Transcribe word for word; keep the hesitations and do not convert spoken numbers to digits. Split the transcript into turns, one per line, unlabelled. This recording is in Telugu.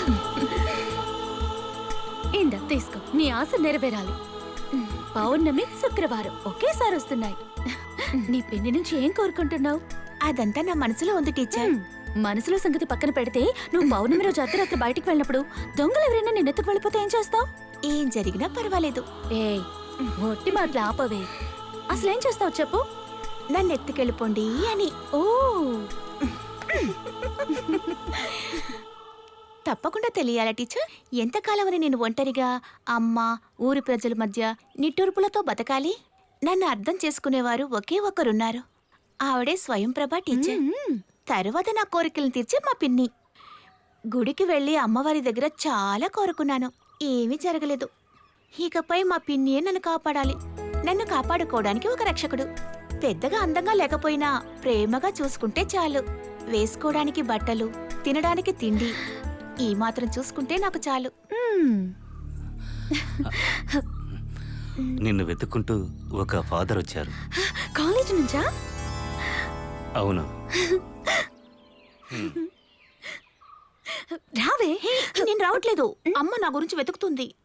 ఇందా తీసుకో, నీ ఆశ నెరవేరాలి. పౌర్ణమి శుక్రవారం ఒకేసారి వస్తున్నాయి. నీ పిన్ని నుంచి ఏం కోరుకుంటున్నావు?
అదంతా నా మనసులో ఉంది టీచర్.
మనసులో సంగతి పక్కన పెడితే నువ్వు పౌర్ణమి రోజు అర్ధరాత్రి బయటికి వెళ్ళినప్పుడు దొంగలు ఎవరైనా నిన్నెత్తుకు వెళ్ళిపోతే ఏం చేస్తావు?
ఏం జరిగినా పర్వాలేదు.
ఏయ్, ఒట్టి మాటలు ఆపవే. అసలేం చేస్తావు చెప్పు.
నన్ను ఎత్తుకెళ్ళిపోండి అని.
ఓ,
తప్పకుండా తెలియాలా టీచర్? ఎంతకాలమని నేను ఒంటరిగా అమ్మ ఊరి ప్రజల మధ్య నిట్టూర్పులతో బతకాలి? నన్ను అర్థం చేసుకునేవారు ఒకే ఒకరున్నారు. ఆవిడే స్వయంప్రభ టీచర్. తరువాత నా కోరికలను తీర్చే మా పిన్ని. గుడికి వెళ్ళి అమ్మవారి దగ్గర చాలా కోరుకున్నాను, ఏమీ జరగలేదు. ఇకపై మా పిన్నియే నన్ను కాపాడాలి. నన్ను కాపాడుకోవడానికి ఒక రక్షకుడు. పెద్దగా అందంగా లేకపోయినా ప్రేమగా చూసుకుంటే చాలు. వేసుకోవడానికి బట్టలు, తినడానికి తిండి, ఈ మాత్రం చూసుకుంటే నాకు చాలు.
నిన్ను వెతుక్కుంటూ ఒక ఫాదర్ వచ్చారు.
కాలేజీ నుంచా?
అవును.
రావే.
నేను రావట్లేదు, అమ్మ నా గురించి వెతుకుతుంది.